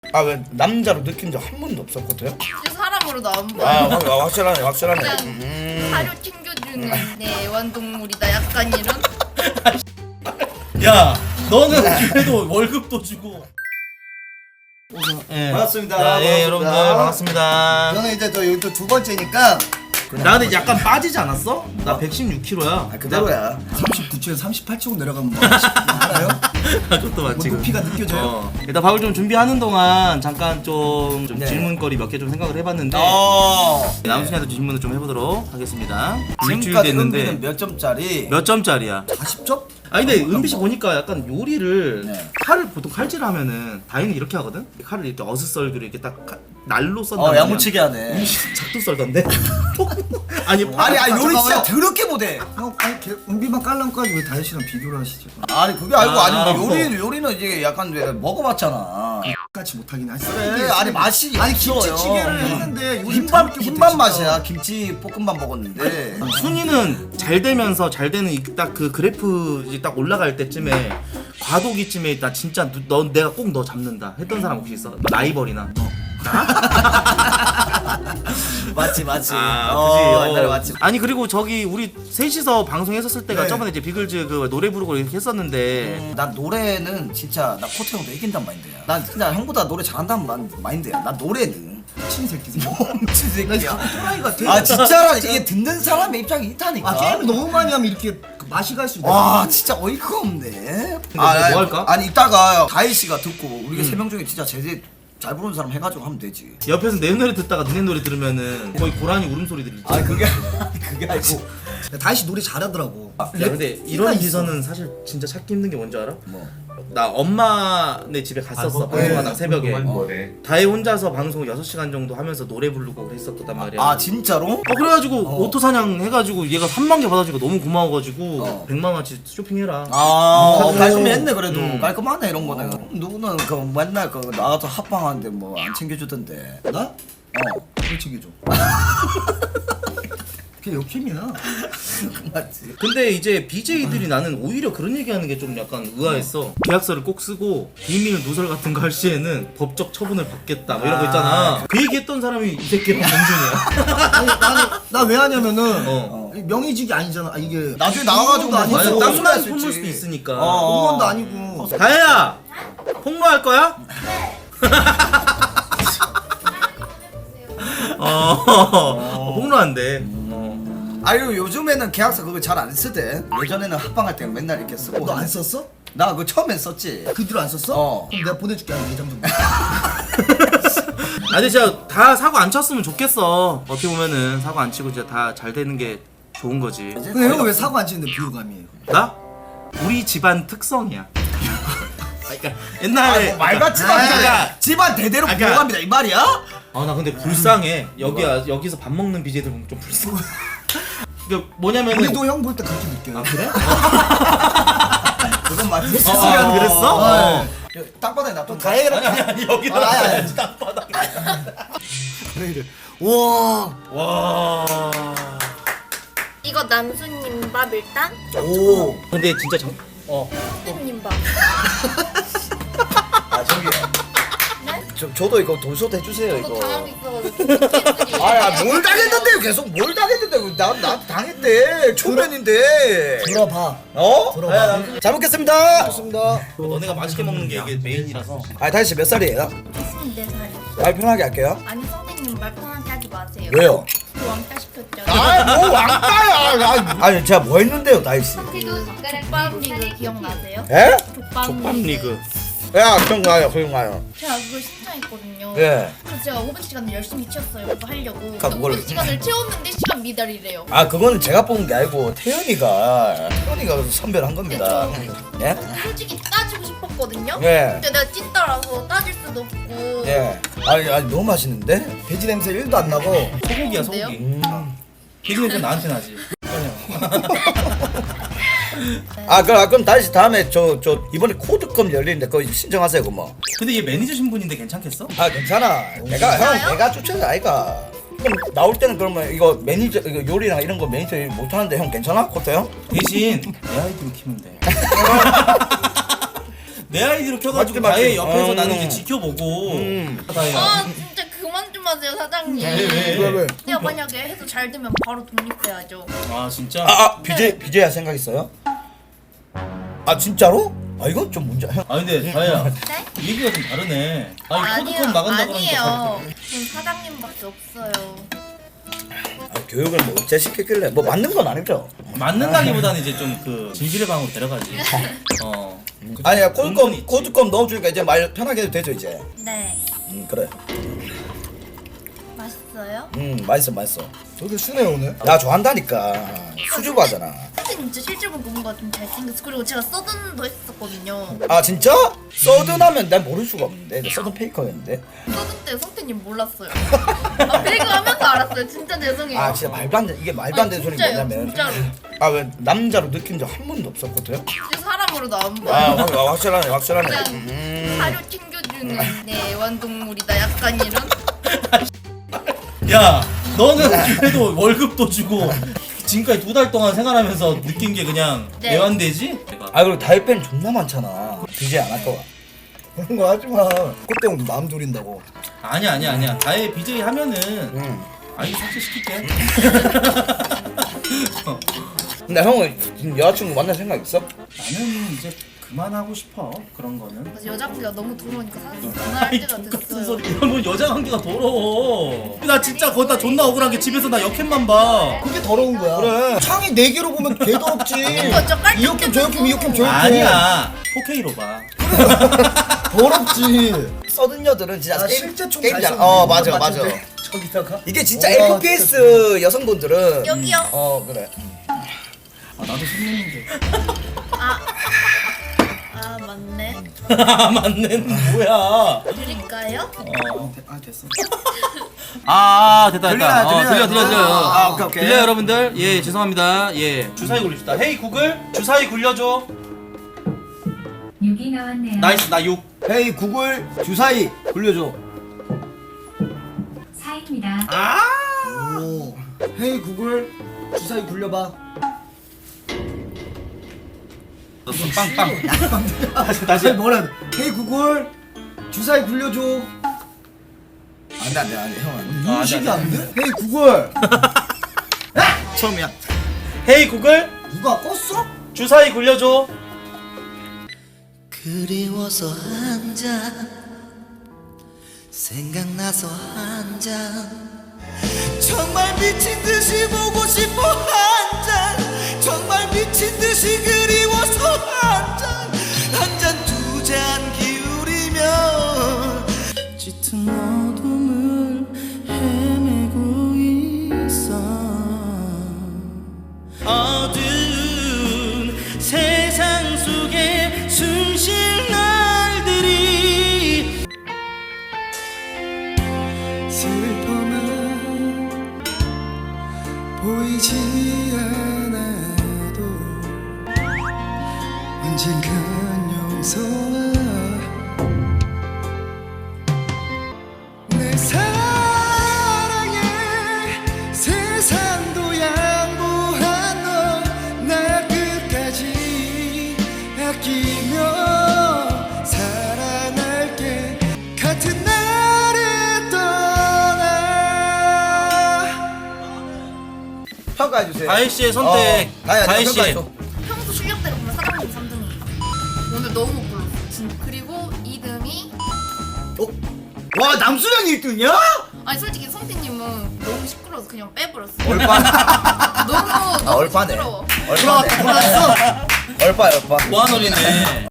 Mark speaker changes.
Speaker 1: 아 왜 남자로 느낀 적 한 번도 없었거든?
Speaker 2: 사람으로도 안 보여.
Speaker 1: 확실하네 확실하네.
Speaker 2: 그냥 사료 챙겨주는 내 애완동물이다 약간 이런.
Speaker 3: 야 너는 그래도 월급도 주고. 예.
Speaker 4: 반갑습니다.
Speaker 3: 예, 여러분들 반갑습니다.
Speaker 4: 저는 이제 또 여기 또 두 번째니까
Speaker 3: 나 근데 약간 빠지지 않았어? 나 116kg야.
Speaker 4: 아, 그대로야. 39초에서 38초 내려가면 뭐 알아요?
Speaker 3: 그것도 맞지.
Speaker 4: 뭐 높이가 느껴져요?
Speaker 3: 일단 밥을 좀 준비하는 동안 잠깐 좀
Speaker 4: 네.
Speaker 3: 질문거리 몇 개 좀 생각을 해봤는데 남순이한테 질문을 좀 해보도록 하겠습니다. 일주일
Speaker 4: 지금까지 은비는
Speaker 3: 됐는데
Speaker 4: 몇 점짜리?
Speaker 3: 몇 점짜리야?
Speaker 4: 40점?
Speaker 3: 아니 근데 은비 씨 보니까 약간 요리를
Speaker 4: 네.
Speaker 3: 칼을 보통 칼질 하면은 다행히 이렇게 하거든? 칼을 이렇게 어슷썰기로 이렇게 딱 날로 썬단 말이야.
Speaker 4: 야무치게 하네.
Speaker 3: 작두 썰던데? 아니
Speaker 4: 아니 요리 진짜
Speaker 3: 잠깐만요.
Speaker 4: 더럽게 못해.
Speaker 5: 형, 아니 은비만 깔랑까지 왜 다혜씨랑 비교를 하시지?
Speaker 4: 아니 그게 아니고
Speaker 3: 아,
Speaker 4: 요리는 이제 약간 왜 먹어봤잖아.
Speaker 5: 같이 못하긴 하지.
Speaker 4: 그래 아니 맛이
Speaker 5: 아니
Speaker 4: 없어요.
Speaker 5: 김치찌개를 했는데 요리
Speaker 4: 흰밥 맛이야. 김치 볶음밥 먹었는데.
Speaker 3: 순이는 잘 되면서 잘 되는 딱 그 그래프 딱 올라갈 때쯤에 과도기쯤에 나 진짜 내가 꼭 너 잡는다 했던 사람 혹시 있어? 라이벌이나
Speaker 4: 맞지.
Speaker 3: 그지?
Speaker 4: 옛날에 맞지.
Speaker 3: 아니 그리고 저기 우리 셋이서 방송했었을 때가
Speaker 4: 네.
Speaker 3: 저번에 이제 비글즈 그 노래 부르고 이렇게 했었는데
Speaker 4: 난 노래는 진짜 나 코트 형도 이긴단 마인드야. 난 진짜 형보다 노래 잘한다는 마인드야. 난 노래는
Speaker 5: 미친 새끼지.
Speaker 4: 미친 새끼야.
Speaker 5: 또라이 같아.
Speaker 4: 아 진짜라 이게 듣는 사람의 입장이 있다니까.
Speaker 5: 아 게임을 너무 많이 하면 이렇게 그 맛이 갈 수 있다.
Speaker 4: 와 진짜 어이가 없네.
Speaker 3: 뭐 할까?
Speaker 4: 아니 이따가 다희 씨가 듣고 우리가 세 명 중에 진짜 제일 잘 부르는 사람 해가지고 하면 되지.
Speaker 3: 옆에서 내 노래 듣다가 너네 노래 들으면은 거의 고라니 울음소리 들리지.
Speaker 4: 아 그게 아니고.
Speaker 5: 다혜씨 노래 잘하더라고.
Speaker 3: 야 근데 이런
Speaker 5: 있어.
Speaker 3: 비서는 사실 진짜 찾기 힘든 게 뭔지 알아?
Speaker 4: 뭐.
Speaker 3: 나 엄마네 집에 갔었어 방송하다가 새벽에 다혜 혼자서 방송 6시간 정도 하면서 노래 부르고 그랬었단 말이야.
Speaker 4: 아 진짜로?
Speaker 3: 그래가지고 오토 사냥 해가지고 얘가 3만 개 받아주니까 너무 고마워가지고 100만 원치 쇼핑해라.
Speaker 4: 깔끔히 했네 그래도. 깔끔하네 이런 거는. 누구는 그 맨날 그 나가서 합방하는데 뭐 안 챙겨주던데.
Speaker 5: 나? 왜 챙겨줘? 그게 역캠이야.
Speaker 4: 맞지.
Speaker 3: 근데 이제 BJ들이 나는 오히려 그런 얘기하는 게 좀 약간 의아했어. 계약서를 꼭 쓰고 비밀 누설 같은 거 할 시에는 법적 처분을 받겠다 뭐 이런 거 있잖아. 그 얘기했던 사람이 이 새끼랑 범준이야.
Speaker 5: 아니 나는 나 왜 하냐면은
Speaker 3: 어.
Speaker 5: 명의직이 아니잖아. 아, 이게
Speaker 4: 나중에 나와가지고
Speaker 5: 아니고
Speaker 3: 맞아,
Speaker 4: 뭐
Speaker 3: 땅만
Speaker 4: 수
Speaker 3: 품을
Speaker 4: 있지.
Speaker 3: 수도 있으니까.
Speaker 5: 공무원도 아니고.
Speaker 3: 다혜야 폭로할 거야? 폭로한대.
Speaker 4: 아유 요즘에는 계약서 그거 잘 안 쓰대. 예전에는 합방할 때는 맨날 이렇게 쓰고.
Speaker 5: 너 안 썼어?
Speaker 4: 나 그거 처음엔 썼지.
Speaker 5: 그 뒤로 안 썼어?
Speaker 4: 어.
Speaker 5: 그럼 내가 보내줄게 한 4장 정도.
Speaker 3: 아 근데 진짜 다 사고 안 쳤으면 좋겠어. 어떻게 보면은 사고 안 치고 진짜 다 잘 되는 게 좋은 거지.
Speaker 5: 근데 형은 왜 사고 안 치는데 비호감이에요?
Speaker 3: 나? 우리 집안 특성이야. 그러니까 옛날에
Speaker 4: 뭐 말같지도 않게 집안 대대로
Speaker 3: 그러니까-
Speaker 4: 보호합니다 이 말이야?
Speaker 3: 아 나 근데 불쌍해. 여기서 밥 먹는 BJ들 보면 좀 불쌍해. 그 뭐냐면은
Speaker 5: 우리도 형 볼 때 그렇게 느껴요.
Speaker 3: 아 그래?
Speaker 4: 그건 맞지.
Speaker 3: 그랬어?
Speaker 4: 땅바닥에 놔둬 다해라.
Speaker 3: 아니 여기다
Speaker 4: 아니.
Speaker 3: 땅바닥에.
Speaker 4: 와.
Speaker 3: 와.
Speaker 2: 이거 남순님 밥 일단.
Speaker 4: 오.
Speaker 3: 근데 진짜
Speaker 2: 선생님 밥.
Speaker 4: 아 저기요.
Speaker 2: 네?
Speaker 4: 저도 이거 돈쇼트 해주세요
Speaker 2: 이거
Speaker 4: 이거.
Speaker 2: 당하고 있어가지고.
Speaker 4: 아뭘 당했는데요 계속 뭘 당했는데 나 당했대 초면인데.
Speaker 5: 들어봐.
Speaker 4: 어?
Speaker 5: 들어봐.
Speaker 4: 잘 먹겠습니다. 좋습니다.
Speaker 3: 너네가 맛있게 먹는 게 이게 메인이라서.
Speaker 4: 아 다희 씨몇 살이에요?
Speaker 2: 24살이요.
Speaker 4: 말 편하게 할게요.
Speaker 2: 아니 선생님 말 편하게 하지 마세요.
Speaker 4: 왜요?
Speaker 2: 저 왕따 시켰죠.
Speaker 4: 아뭐 왕따야. 아니 제가 뭐 했는데요 다희 씨?
Speaker 2: 족밥 리그 기억나세요?
Speaker 4: 에?
Speaker 2: 족밥
Speaker 3: 리그.
Speaker 4: 야 기억나요.
Speaker 2: 제가 그걸 신청했거든요.
Speaker 4: 예.
Speaker 2: 그래서 제가 5분 시간을 열심히 채웠어요. 그거 하려고.
Speaker 4: 그러니까 그걸-
Speaker 2: 5분 시간을 채웠는데 시간 미달이래요.
Speaker 4: 아 그거는 제가 뽑은 게 아니고 태연이가 선별한 겁니다. 예?
Speaker 2: 솔직히 따지고 싶었거든요.
Speaker 4: 예.
Speaker 2: 근데 내가 찐따라서 따질 수도 없고.
Speaker 4: 예. 아니 너무 맛있는데? 돼지 냄새 1도 안 나고.
Speaker 3: 소고기야
Speaker 2: 좋은데요?
Speaker 3: 소고기. 돼지 냄새 나한테 나지.
Speaker 4: 아 그럼 다시 다음에 저 이번에 코드컵 열리는데 그거 신청하세요 그뭐.
Speaker 3: 근데 얘 매니저 신분인데 괜찮겠어?
Speaker 4: 아 괜찮아. 내가 추천해 아이가. 그럼 나올 때는 그러면 이거 매니저 이거 요리랑 이런 거 매니저 못 하는데 형 괜찮아? 코트 형?
Speaker 3: 대신 내 아이디로 키면 돼. 내 아이디로 켜가지고
Speaker 1: 맞지,
Speaker 3: 다혜
Speaker 1: 맞지.
Speaker 3: 옆에서 나는 이제 지켜보고 다혜야.
Speaker 2: 아 진짜 그만 좀 하세요 사장님.
Speaker 1: 왜?
Speaker 2: 내가 만약에 해서 잘 되면 바로 독립해야죠.
Speaker 3: 아 진짜?
Speaker 1: BJ 할 생각 있어요? 아 진짜로? 아 이건 좀 문제. 형.
Speaker 3: 아 근데 다혜야
Speaker 2: 네?
Speaker 3: 얘기가 좀 다르네. 아니
Speaker 2: 아니에요.
Speaker 3: 코드컵 나간다 그러니까
Speaker 2: 아니에요. 지금 사장님밖에 없어요.
Speaker 1: 교육을 뭐 어째 시켰길래 뭐 맞는 건 아니죠?
Speaker 3: 맞는다기보다는 이제 좀 그 진실의 방으로 데려가지. 어.
Speaker 1: 아니야
Speaker 3: 은근히
Speaker 1: 코드껌
Speaker 3: 있지.
Speaker 1: 코드껌 넣어주니까 이제 말 편하게 해도 되죠 이제.
Speaker 2: 네.
Speaker 1: 그래.
Speaker 2: 맛있어요?
Speaker 1: 맛있어.
Speaker 5: 저도 쓰네 오늘.
Speaker 1: 나 좋아한다니까. 수줍어하잖아.
Speaker 2: 선생님 진짜 실제로 보니까 좀 잘생겼어. 그리고 제가 서든도 했었거든요.
Speaker 1: 아 진짜? 서든하면 난 모를 수가 없는데. 나 서든 페이커였는데.
Speaker 2: 서든 때 성태님 몰랐어요. 아 배그 하면서 알았어요. 진짜 죄송해요.
Speaker 1: 아 진짜 말도 안 돼. 이게 말도 안 되는 소리
Speaker 2: 진짜요,
Speaker 1: 뭐냐면.
Speaker 2: 진짜로.
Speaker 1: 아 왜 남자로 느낀 적 한 번도 없었거든?
Speaker 2: 진짜 사람으로도 안 봐.
Speaker 1: 확실하네.
Speaker 2: 그냥 사료 챙겨주는 내 애완동물이다. 약간 이런.
Speaker 3: 야 너는 그래도 월급도 주고 지금까지 2달 동안 생활하면서 느낀 게 그냥
Speaker 2: 네.
Speaker 3: 애완되지?
Speaker 1: 아 그리고 다이팬 존나 많잖아. BJ 안 할 거야.
Speaker 5: 그런 거 하지 마. 그때 마음 졸인다고.
Speaker 3: 아니야 다혜 BJ 하면은
Speaker 1: 응.
Speaker 3: 아이 삭제시킬게.
Speaker 1: 근데 형은 지금 여자친구 만날 생각 있어?
Speaker 3: 나는 이제 그만하고 싶어 그런 거는.
Speaker 2: 그래서 여자 관계가 너무 더러우니까 사실 그만할
Speaker 3: 아이
Speaker 2: 때가
Speaker 3: 똑같은
Speaker 2: 됐어요.
Speaker 3: 소리. 이러면 여자 관계가 더러워. 나 진짜 거기다 존나 억울한 게 집에서 나 역캠만 봐.
Speaker 5: 그게 더러운 거야.
Speaker 1: 그래.
Speaker 5: 창이 4개로 보면 개 더럽지.
Speaker 2: 저 깔끔해
Speaker 5: 이 역캠 저 역캠 이 역캠 저 역캠.
Speaker 3: 아니야 4K로 봐.
Speaker 5: 더럽지.
Speaker 1: 서든 여들은 진짜
Speaker 5: 아,
Speaker 1: 게임,
Speaker 5: 실제 총
Speaker 1: 게임이잖아.
Speaker 5: 잘 쏘는데.
Speaker 1: 맞아.
Speaker 5: 맞췄네. 저기다가.
Speaker 1: 이게 진짜
Speaker 5: 와,
Speaker 1: FPS 여성분들은
Speaker 2: 여기요.
Speaker 1: 그래.
Speaker 3: 아 나도 손님인데.
Speaker 2: 아 맞네.
Speaker 3: 맞네 뭐야.
Speaker 2: 드릴까요?
Speaker 5: 아 됐어.
Speaker 3: 됐다. 들려요.
Speaker 4: 아, 오케이.
Speaker 3: 들려요 여러분들. 예 죄송합니다. 예 주사위 굴립시다. 헤이 구글 주사위 굴려줘.
Speaker 6: 6이 나왔네요.
Speaker 3: 나이스 나 6.
Speaker 4: 헤이 구글 주사위 굴려줘.
Speaker 6: 4입니다.
Speaker 5: 오. 헤이 구글 주사위 굴려봐.
Speaker 3: 빵빵.
Speaker 5: 다시 뭐라? 헤이 구글 주사위 굴려줘.
Speaker 4: 안돼 형.
Speaker 5: 인식이 안 돼? 헤이 구글.
Speaker 4: 처음이야.
Speaker 3: 헤이 구글
Speaker 5: 누가 껐어?
Speaker 3: 주사위 굴려줘.
Speaker 7: 그리워서 한 잔 생각나서 한 잔 정말 미친 듯이 보고 싶어 한 잔 정말 미친 듯이 그리워서 한 잔 두 잔 기울이며 짙은 어둠을 헤매고 있어 어두운 세상 속에 숨쉴 날들이 슬픔은 보이지 않아도 언젠간 용서와 내 사랑에 세상도 양보한 너 날 끝까지 아끼며 사랑할게 같은 나를 떠나
Speaker 4: 평가해 주세요.
Speaker 3: 다혜 씨의 선택. 다혜 씨.
Speaker 2: 평소 실력대로 보면 사장님 3등이에요. 오늘 너무 못 불렀어. 그리고 2등이
Speaker 4: 와 남수령이 1등이야?
Speaker 2: 아니 솔직히 성태님은 너무 시끄러워서 그냥 빼버렸어.
Speaker 1: 얼빠.
Speaker 2: 너무
Speaker 1: 얼빠네.
Speaker 2: 시끄러워.
Speaker 1: 얼빠. 얼빠.
Speaker 3: 무한원이네.